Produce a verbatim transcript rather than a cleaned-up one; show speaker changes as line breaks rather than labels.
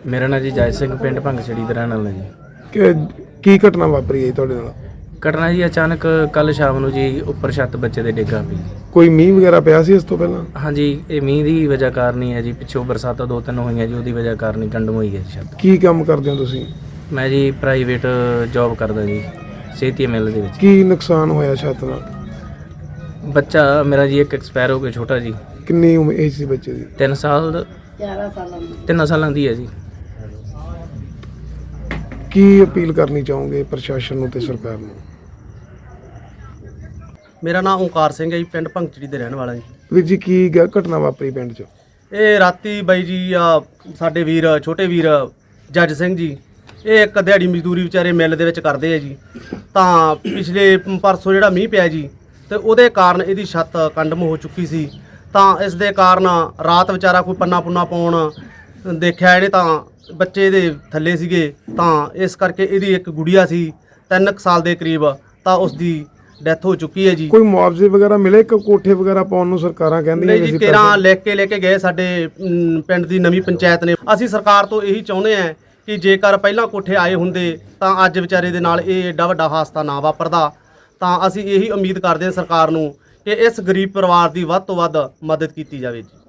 मेरा नाम जी जय सिंह पिंड भंगछड़ी ਦਾ ਰਹਿਣ ਵਾਲਾ ਜੀ।
ਕਿ ਕੀ ਘਟਨਾ ਵਾਪਰੀ ਹੈ ਜੀ ਤੁਹਾਡੇ ਨਾਲ?
ਘਟਨਾ ਜੀ ਅਚਾਨਕ ਕੱਲ ਸ਼ਾਮ ਨੂੰ ਜੀ ਉੱਪਰ ਛੱਤ ਬੱਚੇ ਦੇ ਡਿੱਗਾ ਪਈ।
ਕੋਈ ਮੀਂਹ ਵਗੈਰਾ ਪਿਆ ਸੀ ਇਸ ਤੋਂ ਪਹਿਲਾਂ?
ਹਾਂਜੀ, ਇਹ ਮੀਂਹ ਦੀ ਵਜ੍ਹਾ ਕਾਰਨ ਹੀ ਹੈ ਜੀ। ਪਿੱਛੋਂ ਬਰਸਾਤਾਂ ਦੋ ਤਿੰਨ ਹੋਈਆਂ ਜੀ, ਉਹਦੀ ਵਜ੍ਹਾ ਕਾਰਨ ਹੀ ਕੰਡਮ ਹੋਈ ਹੈ ਛੱਤ।
ਕੀ ਕੰਮ ਕਰਦੇ ਹੋ ਤੁਸੀਂ?
ਮੈਂ ਜੀ ਪ੍ਰਾਈਵੇਟ ਜੌਬ ਕਰਦਾ ਜੀ ਸੇਤੀ ਮਿਲ ਦੇ ਵਿੱਚ।
ਕੀ ਨੁਕਸਾਨ ਹੋਇਆ ਛੱਤ ਨਾਲ?
ਬੱਚਾ ਮੇਰਾ ਜੀ ਇੱਕ ਐਕਸਪਾਇਰ ਹੋ ਗਿਆ ਛੋਟਾ ਜੀ।
ਕਿੰਨੀ ਉਮਰ ਏਜ ਸੀ ਬੱਚੇ ਦੀ?
ਤਿੰਨ ਸਾਲ ਤਿੰਨ ਸਾਲਾਂ ਦੀ ਹੈ ਜੀ।
ਕੀ ਅਪੀਲ ਕਰਨੀ ਚਾਹੋਗੇ ਪ੍ਰਸ਼ਾਸਨ ਨੂੰ ਤੇ ਸਰਕਾਰ ਨੂੰ?
ਮੇਰਾ ਨਾਮ ਓਂਕਾਰ ਸਿੰਘ ਹੈ ਜੀ, ਪਿੰਡ ਭੰਗਚੜੀ ਦੇ ਰਹਿਣ ਵਾਲਾ ਜੀ।
ਵੀਰ ਜੀ ਕੀ ਗ- ਘਟਨਾ ਵਾਪਰੀ ਪਿੰਡ 'ਚ?
ਇਹ ਰਾਤੀ ਬਾਈ ਜੀ ਆ ਸਾਡੇ ਵੀਰ ਛੋਟੇ ਵੀਰ ਜੱਜ ਸਿੰਘ ਜੀ, ਇਹ ਇੱਕ ਦਿਹਾੜੀ ਮਜ਼ਦੂਰੀ ਵਿਚਾਰੇ ਮਿੱਲ ਦੇ ਵਿੱਚ ਕਰਦੇ ਆ ਜੀ। ਤਾਂ ਪਿਛਲੇ ਪਰਸੋਂ ਜਿਹੜਾ ਮੀਂਹ ਪਿਆ ਜੀ ਤੇ ਉਹਦੇ ਕਾਰਨ ਇਹਦੀ ਛੱਤ ਕੰਡਮ ਹੋ ਚੁੱਕੀ ਸੀ। ਤਾਂ ਇਸ ਦੇ ਕਾਰਨ ਰਾਤ ਵਿਚਾਰਾ ਕੋਈ ਪੰਨਾ ਪੁੰਨਾ ਪਾਉਣ ਦੇਖਿਆ ਇਹਨੇ ਤਾਂ ਬੱਚੇ ਦੇ ਥੱਲੇ ਸੀਗੇ। ਤਾਂ ਇਸ ਕਰਕੇ ਇਹਦੀ ਇੱਕ ਗੁੜੀਆ ਸੀ ਤਿੰਨ ਕੁ ਸਾਲ ਦੇ ਕਰੀਬ, ਤਾਂ ਉਸ ਦੀ ਡੈਥ ਹੋ ਚੁੱਕੀ ਹੈ ਜੀ।
ਕੋਈ ਮੁਆਵਜ਼ੇ ਵਗੈਰਾ ਮਿਲੇ ਕਿ ਕੋਠੇ ਵਗੈਰਾ ਪਾਉਣ ਨੂੰ ਸਰਕਾਰਾਂ ਕਹਿੰਦੀਆਂ
ਨਹੀਂ
ਨੇ
ਜੀ,
ਅਸੀਂ
ਕੇਰਾਂ
ਪੈਸੇ-
ਲਿਖ ਕੇ ਲੈ ਕੇ ਗਏ ਸਾਡੇ ਅਮ, ਪਿੰਡ ਦੀ ਨਵੀਂ ਪੰਚਾਇਤ ਨੇ। ਅਸੀਂ ਸਰਕਾਰ ਤੋਂ ਇਹੀ ਚਾਹੁੰਦੇ ਹਾਂ ਕਿ ਜੇਕਰ ਪਹਿਲਾਂ ਕੋਠੇ ਆਏ ਹੁੰਦੇ ਤਾਂ ਅੱਜ ਵਿਚਾਰੇ ਦੇ ਨਾਲ ਇਹ ਏਡਾ ਵੱਡਾ ਹਾਦਸਾ ਨਾ ਵਾਪਰਦਾ। ਤਾਂ ਅਸੀਂ ਇਹੀ ਉਮੀਦ ਕਰਦੇ ਹਾਂ ਸਰਕਾਰ ਨੂੰ ਕਿ ਇਸ ਗਰੀਬ ਪਰਿਵਾਰ ਦੀ ਵੱਧ ਤੋਂ ਵੱਧ ਮਦਦ ਕੀਤੀ ਜਾਵੇ ਜੀ।